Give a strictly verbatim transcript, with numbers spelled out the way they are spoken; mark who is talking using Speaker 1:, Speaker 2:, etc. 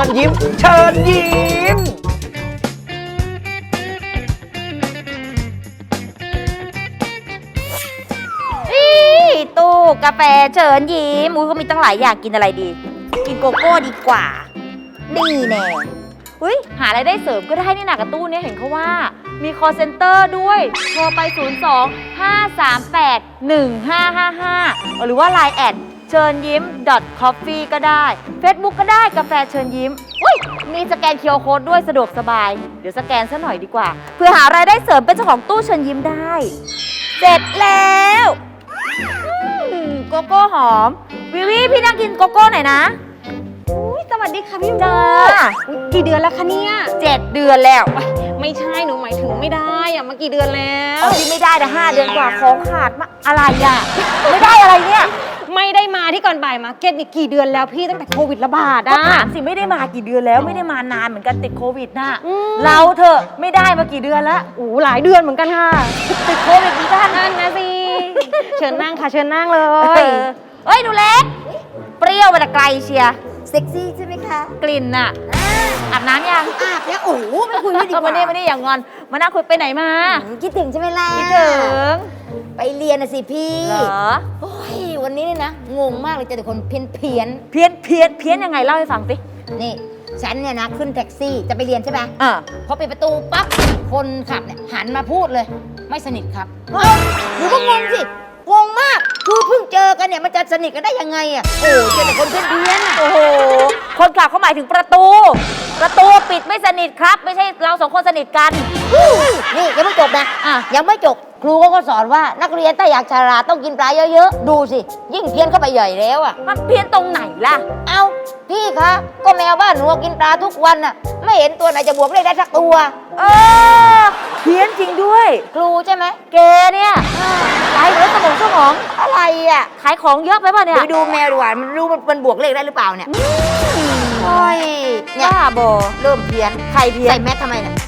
Speaker 1: ญยิ้มเชิญยิ้ม
Speaker 2: ตู้กาแฟเชิญยิ้มอุ้ยเขามีตั้งหลายอย่างกินอะไรดี กินโกโก้ดีกว่า นี่แน่อุ้ยหาอะไรายได้เสริมก็ได้นี่นะกับตู้เนี่ยเห็นเขาว่ามี call center ด้วยโทรไป ศูนย์ สอง ห้า สาม แปด หนึ่ง ห้า ห้า ห้า หรือว่า ไลน์ แอดเชิญยิ้ม .coffee ก็ได้ Facebook ก็ได้กาแฟเชิญยิ้มอุ้ยมีสแกน คิว อาร์ Code ด้วยสะดวกสบายเดี๋ยวสแกนซะหน่อยดีกว่าเพื่อหารายได้เสริมเป็นเจ้าของตู้เชิญยิ้มได้เสร็จแล้วโกโก้หอมวิวิพี่นั่งกินโกโก้หน่อยนะ
Speaker 3: สวัสดีค่ะพี่
Speaker 2: จ้า
Speaker 3: กี่เดือนแล้วคะเนี่ย
Speaker 2: เจ็ดเดือนแล้ว
Speaker 3: ไม่ใช่หนูหมายถึงไม่ได้อะมากี่เดือนแล้ว
Speaker 2: เอาที่ไม่ได้แต่ห้าเดือนกว่าของขาดมาอะไรอ่ะไม่ได้อะไรเนี่ย
Speaker 3: ไม่ได้มาที่ก่อนบ่ายมาร์เก็ตนี่กี่เดือนแล้วพี่ตั้งแต่โควิดระบาด
Speaker 2: ก็
Speaker 3: อะ
Speaker 2: ถามสิไม่ได้มากี่เดือนแล้วไม่ได้มานานเหมือนกันติดโควิดน่ะ
Speaker 3: อืม
Speaker 2: เราเถอะไม่ได้มากี่เดือนแล้ว
Speaker 3: โอ้หลายเดือนเหมือนกันค่ะ
Speaker 2: ติดโควิดเหมือนกัน
Speaker 3: นั่นนะสิเชิญนั่งค่ะเชิญนั่งเล
Speaker 2: เอย อเอ้ยหนูเล็กเปรี้ยวมาแต่ไกลเชียร์
Speaker 4: เซ็กซี่ใช่ไหมคะ
Speaker 2: กลิ่นน่ะอาบน้ำยัง
Speaker 4: อาบแล้วโอ้โหไม่คุยไม่ดีก
Speaker 2: เอามา
Speaker 4: ว่า
Speaker 2: นี่มานี่อย่างงอนมานั่งคุยไปไหนมา
Speaker 4: อืมคิดถึงใช่ไหมล่ะ
Speaker 2: คิดถึง
Speaker 4: ไปเรียนนะสิพี่
Speaker 2: เหรอ
Speaker 4: โอ้ยวันนี้เนี่ยนะงงมากเลยเจอแต่คนเพี้ยนเพี้ยน
Speaker 2: เพี้ยนเพี้ยนเพี้ยนยังไงเล่าให้ฟังสิ
Speaker 4: ๆนี่ฉันเนี่ยนะขึ้นแท็กซี่จะไปเรียนใช่ไหม
Speaker 2: อ่า
Speaker 4: พอปิดประตูปั๊บคนขับเนี่ยหันมาพูดเลย ไม่สนิทครับเอ้าหนูก็งงสิงงมากคือเพิ่งเจอกันเนี่ยมันจะสนิทกันได้ยังไงอ่ะโอ้เจอแต่คนเพี้ยนเพี้ยนๆอ่ะ
Speaker 2: โอ้โห คนขับเขาหมายถึงประตู ประตูปิดไม่สนิทครับ ไม่ใช่เราสองคนสนิทกัน
Speaker 4: นี่ยังไม่จบนะ
Speaker 2: อ่ะ
Speaker 4: ยังไม่จบครูเขาก็สอนว่านักเรียนถ้าอยากฉลาดต้องกินปลาเยอะๆ ดูสิ ยิ่งเพี้ยนเข้าไปใหญ่แล้วอ่ะ
Speaker 2: มันเพี้ยนตรงไหนล่ะ
Speaker 4: เอาพี่คะ ก็แมวบ้านหนูกินปลาทุกวันน่ะ ไม่เห็นตัวไหนจะบวกเลขได้สักตัว
Speaker 2: เออ เพี้ยนจริงด้วย
Speaker 4: ครูใช่ไหม
Speaker 2: เกเนี่ยขายเหมือนสมองสมอง
Speaker 4: อะไรอ่ะ
Speaker 2: ขายของเยอะไปป่ะเนี่ย
Speaker 4: ไปดูแมวดีกว่ามันรู้มันมันบวกเลขได้หรือเปล่าเนี่ยโอ้ยเนี่ย
Speaker 2: บ้าบอ
Speaker 4: เริ่มเพี้ยน
Speaker 2: ใครเพี้ยน
Speaker 4: ใส่แมสทำไมเนี่ย